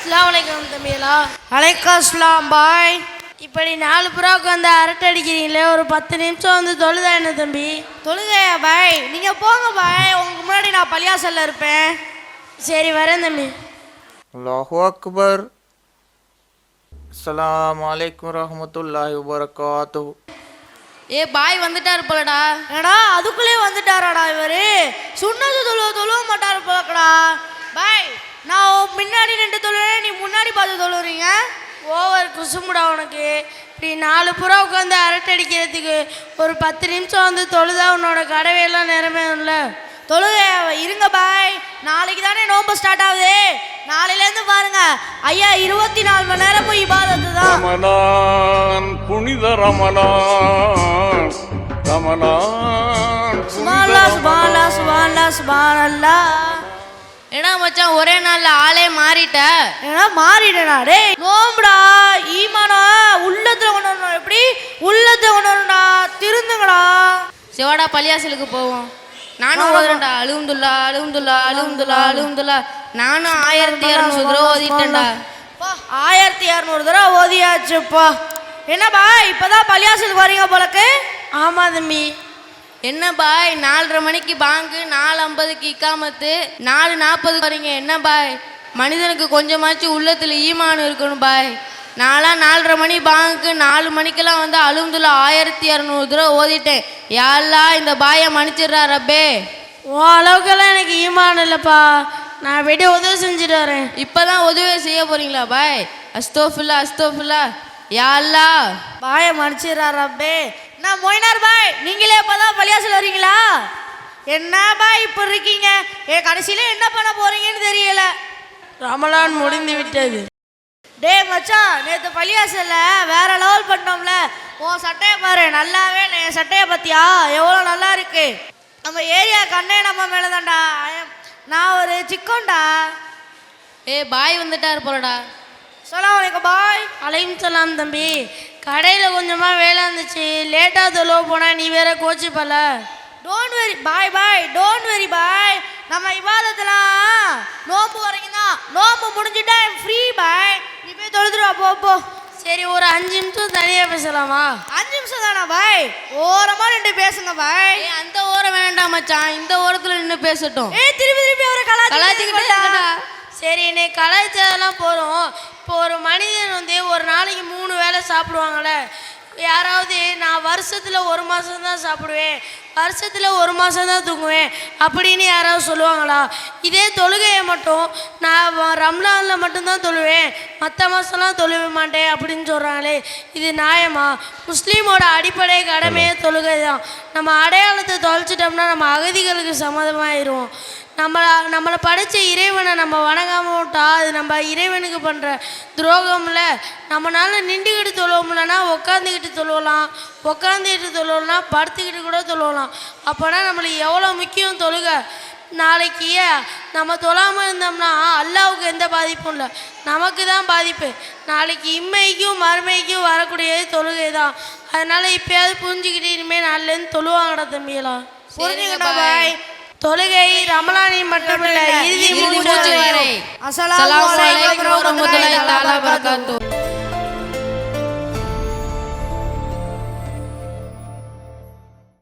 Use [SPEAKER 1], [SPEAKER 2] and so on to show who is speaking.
[SPEAKER 1] அஸ்ஸலாமு அலைக்கும் தம்பிகளா. அலைக்கும் அஸ்ஸலாம் பாய். இப்படி 4 புறாவுக்கு வந்து அரட்டை அடிக்கிறீங்களே, ஒரு 10 நிமிஷம் வந்து தொழுதா என்ன தம்பி?
[SPEAKER 2] தொழுகையா பாய்? நீங்கள் போங்க பாய், உங்களுக்கு முன்னாடி நான் பள்ளியாசல்ல இருப்பேன்.
[SPEAKER 1] சரி வரேன் தம்பி.
[SPEAKER 3] அல்லாஹு அக்பர். அஸ்ஸலாமு அலைக்கும் ரஹ்மத்துல்லாஹி வபரகாத்துஹு.
[SPEAKER 2] ஏ பாய் வந்துட்டாரு போலடா.
[SPEAKER 1] ஏடா அதுக்குள்ளே வந்துட்டாராடா இவரு? சுன்னத்து தொழுவ மாட்டாரு போலக்கடா.
[SPEAKER 2] பாய் நான் முன்னாடி நின்று தொழுறேன், நீ முன்னாடி பார்த்து தொழுறீங்க.
[SPEAKER 1] ஓவர் குசுமுடா உனக்கு. இப்படி 4 புறா உட்காந்து அரட்டை அடிக்கிறதுக்கு ஒரு 10 நிமிஷம் வந்து தொழுதா உன்னோட கடவையெல்லாம் நிறைவேறும்ல.
[SPEAKER 2] தொழுகை இருங்க பாய், நாளைக்கு தானே நோம்பு ஸ்டார்ட் ஆகுது. நாளையிலேருந்து பாருங்க ஐயா 24 மணி நேரமும் இபாதத்து தான்.
[SPEAKER 4] ரமலான் புனித ரமலான், ரமலான்
[SPEAKER 1] சுப்ஹானல்லாஹ் சுப்ஹானல்லாஹ் சுப்ஹானல்லாஹ் சுப்ஹானல்லாஹ்.
[SPEAKER 2] ஏன்னா மச்சான் ஒரே நாள்ல ஆளே மாறிட்ட.
[SPEAKER 1] ஏன்னா மாறிடா டேய்.
[SPEAKER 2] நோம்புடா ஈமானா உள்ளத்துல கொண்டு வரணும். எப்படி உள்ளத்தை கொண்டு வரணும்டா? திருந்துங்கடா. சிவாடா பள்ளியாசலுக்கு போவோம். நானும் ஓதுறேன்டா. அலுஹம்துலில்லாஹ் அலுஹம்துலில்லாஹ் அலுஹம்துலில்லாஹ் அலுஹம்துலில்லாஹ். நானும் 1200 தடவை ஓதிட்டேன்டா.
[SPEAKER 1] 1200 தடவை ஓதியாச்சுப்பா.
[SPEAKER 2] என்ன பாய் இப்பதான் பள்ளியாசலுக்கு வரீங்க போலக்கு?
[SPEAKER 1] ஆமா தம்பி.
[SPEAKER 2] என்ன பாய் 4:30 மணிக்கு பாங்கு, 4:50க்கு இக்காமத்து, 4:40 வரீங்க. என்ன பாய் மனிதனுக்கு கொஞ்சமாச்சும் உள்ளத்துல ஈமான் இருக்கணும் பாய். நான்லாம் 4:30 மணி பாங்குக்கு 4 மணிக்கெல்லாம் வந்து அலுஹம்துலில்லாஹ் 1200 தடவை ஓதிட்டேன். யா அல்லாஹ் இந்த பாயை மன்னிச்சிடுறா ரப்பே.
[SPEAKER 1] உன் அளவுக்கெல்லாம் எனக்கு ஈமான் இல்லைப்பா. நான் வெளியே உதவி செஞ்சுட்டு வரேன்.
[SPEAKER 2] இப்பதான் உதவி செய்ய போறீங்களா பாய்? அஸ்தோஃபில்லா அஸ்தோஃபில்லா. யா அல்லாஹ்
[SPEAKER 1] பாயை மன்னிச்சிடுறா ரப்பே.
[SPEAKER 2] நான் மொய்னார் பாய், நீங்களே இப்பதான் பள்ளியாசல் வரீங்களா? என்ன பாய் இப்ப இருக்கீங்க? கடைசியில என்ன பண்ண போறீங்கன்னு தெரியல.
[SPEAKER 1] ரமலான் முடிந்து விட்டது.
[SPEAKER 2] டே மச்சான், நேற்று பள்ளியாசல்ல வேற லெவல் பண்ணோம்ல. உன் சட்டையை பாரு, நல்லாவே என் சட்டையை பத்தியா எவ்வளோ நல்லா இருக்கு. நம்ம ஏரியா கண்ணே நம்ம மேலதான்டா. நான் ஒரு சிக்கோண்டா. பாய் வந்துட்டாரு போலடா.
[SPEAKER 1] அஸ்ஸலாமு அலைக்கும் பாய். அலைக்கும் சலாம் தம்பி. கடையில் கொஞ்சமாக வேலை இருந்துச்சு, லேட்டாக தொழுவ போனால் நீ வேற கோச்சிப்பல.
[SPEAKER 2] டோன்ட் வெரி பாய் பாய், டோன்ட் வெரி பாய். நம்ம இபாதத்தெல்லாம் நோம்பு வரைக்கும் தான். நோம்பு முடிஞ்சுட்டா ஃப்ரீ பாய். நீ போய் தொழுதுருவா போ போ.
[SPEAKER 1] சரி ஒரு 5 நிமிஷம் தனியாக பேசலாமா?
[SPEAKER 2] 5 நிமிஷம் தானா பாய்? ஓரமாக நின்று பேசுங்க பாய். அந்த ஓரம் வேண்டாம் மச்சான், இந்த ஓரத்தில் நின்று பேசட்டும். திருப்பி திருப்பி அவரை கலாச்சிக்கிட்டா.
[SPEAKER 1] சரி இன்னைக்கு கலாச்சாரம்லாம் போகிறோம். இப்போ ஒரு மனிதன் வந்து ஒரு நாளைக்கு 3 வேளை சாப்பிடுவாங்களே. யாராவது நான் வருஷத்தில் 1 மாதம் தான் சாப்பிடுவேன், வருஷத்தில் 1 மாதம் தான் தூங்குவேன் அப்படின்னு யாராவது சொல்லுவாங்களா? இதே தொழுகையை மட்டும் நான் ரம்லானில் மட்டும்தான் தொழுவேன், மற்ற மாதம்லாம் தொழுவே மாட்டேன் அப்படின்னு சொல்கிறாங்களே, இது நியாயமா? முஸ்லீமோட அடிப்படை கடமையே தொழுகை தான். நம்ம அடையாளத்தை தொலைச்சிட்டோம்னா நம்ம அகதிகளுக்கு சம்மதமாயிடுவோம். நம்மளை படைச்ச இறைவனை நம்ம வணங்காமல் விட்டா அது நம்ம இறைவனுக்கு பண்ணுற துரோகம்ல. நம்மளால நின்றுக்கிட்டு தொழுவோம்லன்னா உட்காந்துக்கிட்டு தொழுவலாம், உட்காந்துக்கிட்டு தொழுவலாம், படுத்துக்கிட்டு கூட தொழுவலாம். அப்போனா நம்மளுக்கு எவ்வளோ முக்கியம் தொழுக. நாளைக்கு நம்ம தொழாமல் இருந்தோம்னா அல்லாவுக்கு எந்த பாதிப்பும் இல்லை, நமக்கு தான் பாதிப்பு. நாளைக்கு இம்மைக்கும் மறுமைக்கும் வரக்கூடியது தொழுகை தான். அதனால் இப்போயாவது புரிஞ்சுக்கிட்டு இனிமேல் நாளிலேருந்து தொழுவாங்கடா தம்பியெல்லாம்.
[SPEAKER 2] புரிஞ்சுக்கிட்டா பாய்.
[SPEAKER 1] தொழுகை ரமலானில் மட்டுமில்லை, இறுதி மூச்சு வரை.
[SPEAKER 2] அஸ்ஸலாமு அலைக்கும் வரஹ்மத்துல்லாஹி தஆலா வபரகாத்துஹு.